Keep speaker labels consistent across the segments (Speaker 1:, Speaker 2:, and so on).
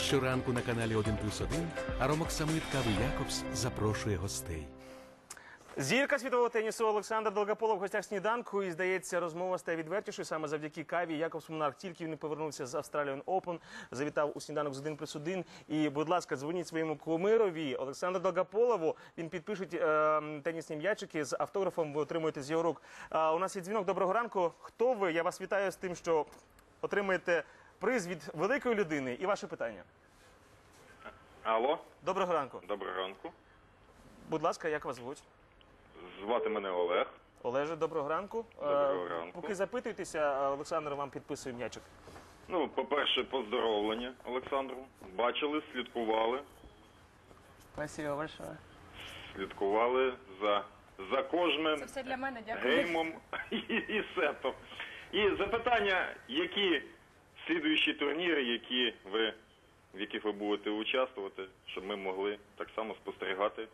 Speaker 1: Щоранку на каналі 1+1 Аромоксамит Кави Якобс запрошує гостей.
Speaker 2: Зірка світового тенісу Олександр Долгополов в гостях сніданку. І, здається, розмова стає відвертішою саме завдяки Каві. Якобс Монарх тільки він повернувся з Australian Open, завітав у сніданок з 1+1. І, будь ласка, дзвоніть своєму кумирові Олександру Долгополову. Він підпишуть тенісні м'ячики з автографом, ви отримуєте з його рук. У нас є дзвінок. Доброго ранку. Хто ви? Я вас вітаю з тим, що отримаєте приз від великої людини. І ваше питання.
Speaker 3: Алло.
Speaker 2: Доброго ранку.
Speaker 3: Доброго ранку.
Speaker 2: Будь ласка, як вас звуть?
Speaker 3: Звати мене Олег.
Speaker 2: Олеже, доброго ранку.
Speaker 3: Доброго ранку.
Speaker 2: Поки запитуєтеся, Олександр вам підписує м'ячик.
Speaker 3: Ну, по-перше, поздоровлення Олександру. Бачили, слідкували.
Speaker 4: Спасибо большое.
Speaker 3: Слідкували за кожним
Speaker 5: Це все для мене, дякую.
Speaker 3: геймом і сетом. І запитання, які слідуючі турніри, в яких ви будете участвувати, щоб ми могли так само спостерігати.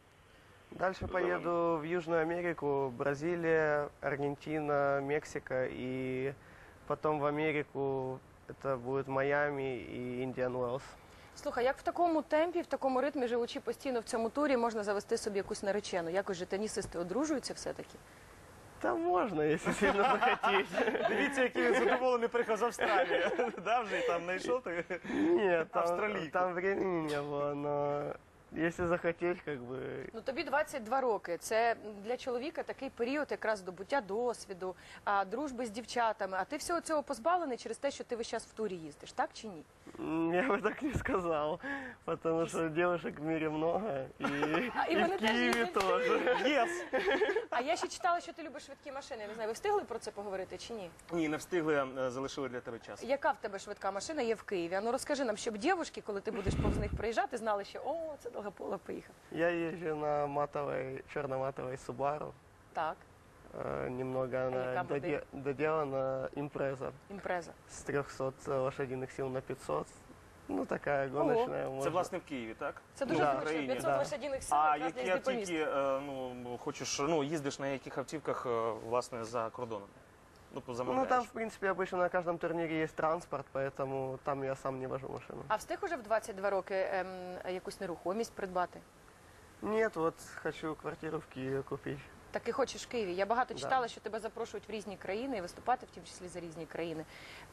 Speaker 4: Дальше поеду в Южную Америку, Бразилия, Аргентина, Мексика, и потом в Америку, это будет Майами и Индиан Уэллс.
Speaker 5: Слухай, як в такому темпі, в такому ритмі, живучи постійно в цьому турі, можна завести собі якусь наречену? Якось же тенісисти одружуються все-таки?
Speaker 4: Там можно, если сильно захотеть.
Speaker 2: Дивіться, який він задоволений приїхав з Австралії. Да, вже і там знайшов?
Speaker 4: Нет,
Speaker 2: Австралийку.
Speaker 4: там времени не было, но если захотеть, как бы...
Speaker 5: Ну тобі 22 роки. Це для чоловіка такий період якраз здобуття досвіду, дружби з дівчатами. А ти всього цього позбавлений через те, що ти весь час в турі їздиш, так чи ні?
Speaker 4: Я бы так не сказал, потому что девушек в мире много, и
Speaker 5: и
Speaker 4: в
Speaker 5: вони теж
Speaker 4: Киеве
Speaker 5: їздять.
Speaker 4: тоже.
Speaker 2: Єс!
Speaker 5: А я ще читала, що ти любиш швидкі машини. Я не знаю, ви встигли про це поговорити чи ні?
Speaker 2: Ні, не встигли, залишили для тебе час.
Speaker 5: Яка в тебе швидка машина є в Києві? А ну розкажи нам, щоб дівчатки, коли ти будеш повз них проїжджати, знали, що о, це Долгополов поїхав.
Speaker 4: Я езжу на черно-матовой Subaru.
Speaker 5: Так,
Speaker 4: Немного она
Speaker 5: яка модель?
Speaker 4: доделана импреза
Speaker 5: імпреза.
Speaker 4: с 300 лошадиных сил на 500. Ну, такая гоночная.
Speaker 2: Це,
Speaker 4: можно.
Speaker 2: власне, в Києві, так?
Speaker 5: Це дуже
Speaker 2: Ну, в
Speaker 5: зручно,
Speaker 2: Україні,
Speaker 5: 500
Speaker 4: да.
Speaker 5: лошадиних сил,
Speaker 2: А
Speaker 5: якраз для
Speaker 2: які
Speaker 5: їзди по місту.
Speaker 2: автівки, хочеш, їздиш на яких автівках, власне, за кордоном? Ну,
Speaker 4: Ну,
Speaker 2: замовляєш.
Speaker 4: там, в принципе, обычно на каждом турнире есть транспорт, поэтому там я сам не вожу машину.
Speaker 5: А встиг уже в 22 роки якусь нерухомість придбати?
Speaker 4: Нет, вот хочу квартиру в Киеве купить.
Speaker 5: Так і хочеш в Києві. Я багато
Speaker 4: Да.
Speaker 5: читала, що тебе запрошують в різні країни і виступати, в тім числі за різні країни.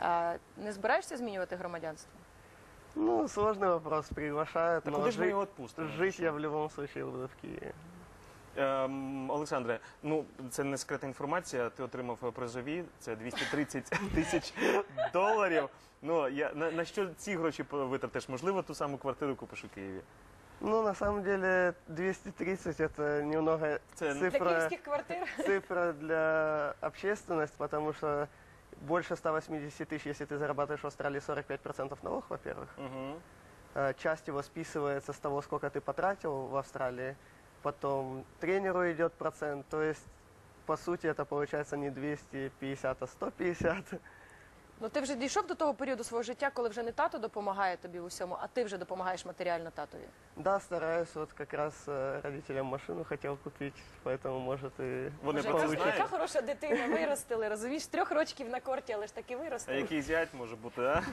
Speaker 5: Не збираєшся змінювати громадянство?
Speaker 4: Ну, сложный вопрос, приглашают,
Speaker 2: Так
Speaker 4: но
Speaker 2: куди ж ми його відпустимо?
Speaker 4: жить я в любом случае буду в Киеве.
Speaker 2: Олександре, ну це не секретна інформація. Ти отримав призові, це 230 тисяч доларів. Ну на що ці гроші витратиш? Можливо, ту саму квартиру купиш у Києві.
Speaker 4: Ну, на самом деле, 230 это немного
Speaker 2: Це-
Speaker 5: Для
Speaker 4: цифра...
Speaker 5: київських квартир?
Speaker 4: Цифра для общественности, потому что больше 180 тысяч, если ты зарабатываешь в Австралии 45% налог, во-первых.
Speaker 2: Угу.
Speaker 4: Часть его списывается с того, сколько ты потратил в Австралии. Потом тренеру идет процент. То есть, по сути, это получается не 250, а 150.
Speaker 5: Ну ти вже дійшов до того періоду свого життя, коли вже не тато допомагає тобі в усьому, а ти вже допомагаєш матеріально татові.
Speaker 4: Да, стараюсь. Вот как раз родителям машину хотел купить, поэтому, может, и
Speaker 2: Вони
Speaker 5: Боже,
Speaker 2: про це
Speaker 5: яка
Speaker 2: знають?
Speaker 5: хороша дитина, виростили, розумієш, 3 рочків на корті, але ж таки
Speaker 2: А
Speaker 5: виростили.
Speaker 2: який зять може бути, а?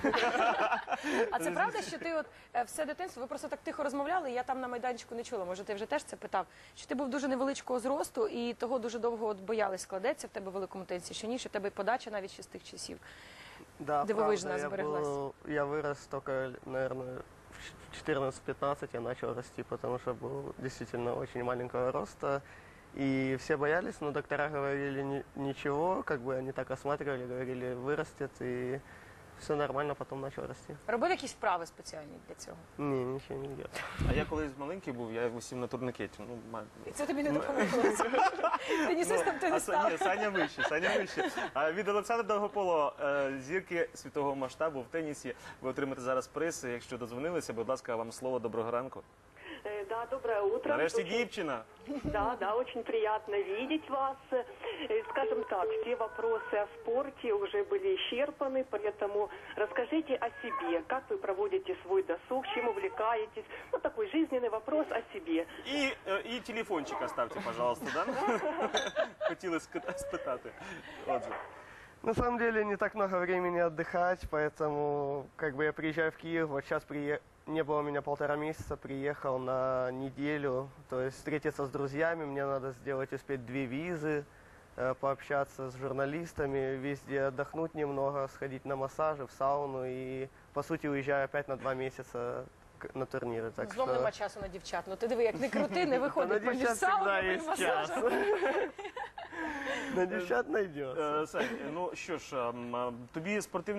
Speaker 5: А це правда, що ти от все дитинство, ви просто так тихо розмовляли, і я там на майданчику не чула, може ти вже теж це питав, що ти був дуже невеличкого зросту і того дуже довго от боялись, складеться в тебе в великому тенісі, що ні, що в тебе і подача навіть ще з тих часів.
Speaker 4: да,
Speaker 5: Дивовижно
Speaker 4: правда,
Speaker 5: сбереглась.
Speaker 4: я вырос только, наверное, в 14-15 я начал расти, потому что был действительно очень маленького роста. И все боялись, но доктора говорили ничего, как бы они так осматривали, говорили, вырастет, и все нормально, потом начал расти.
Speaker 5: Робив якісь вправи спеціальні для цього?
Speaker 4: Не, ничего не делал.
Speaker 2: А я колись маленький був, я висів на турникеті. Ну,
Speaker 5: І це тобі не допомогло? Тенісистом ти не став?
Speaker 2: Ні, Саня вище, Саня вище. А від Олександра Долгополова, зірки світового масштабу в тенісі, ви отримаєте зараз приз. Якщо дозвонилися, будь ласка, вам слово. Доброго ранку.
Speaker 6: Да, доброе утро.
Speaker 2: Нарешті
Speaker 6: Очень-
Speaker 2: дівчина.
Speaker 6: Да, очень приятно видеть вас. Скажем так, все вопросы о спорте уже были исчерпаны, поэтому расскажите о себе, как вы проводите свой досуг, чем увлекаетесь. Вот такой жизненный вопрос о себе.
Speaker 2: І телефончик оставте, пожалуйста, да? Хотіли спитати. Отже.
Speaker 4: На самом деле не так много времени отдыхать, поэтому как бы я приезжаю в Киев, вот сейчас не было у меня 1,5 месяца, приехал на неделю, то есть встретиться с друзьями, мне надо успеть 2 визы, пообщаться с журналистами, везде отдохнуть немного, сходить на массажи, в сауну и, по сути, уезжаю опять на 2 месяца на турниры. Так
Speaker 5: Знов
Speaker 4: что...
Speaker 5: нема часу на дівчат. Ну ти диви, як не крути, не
Speaker 4: На
Speaker 5: виходить по
Speaker 4: девчат
Speaker 5: сауну,
Speaker 4: всегда
Speaker 5: по
Speaker 4: есть час.
Speaker 5: масажам.
Speaker 4: На девчат найдется.
Speaker 2: Сань, ну що ж, тобі спортивний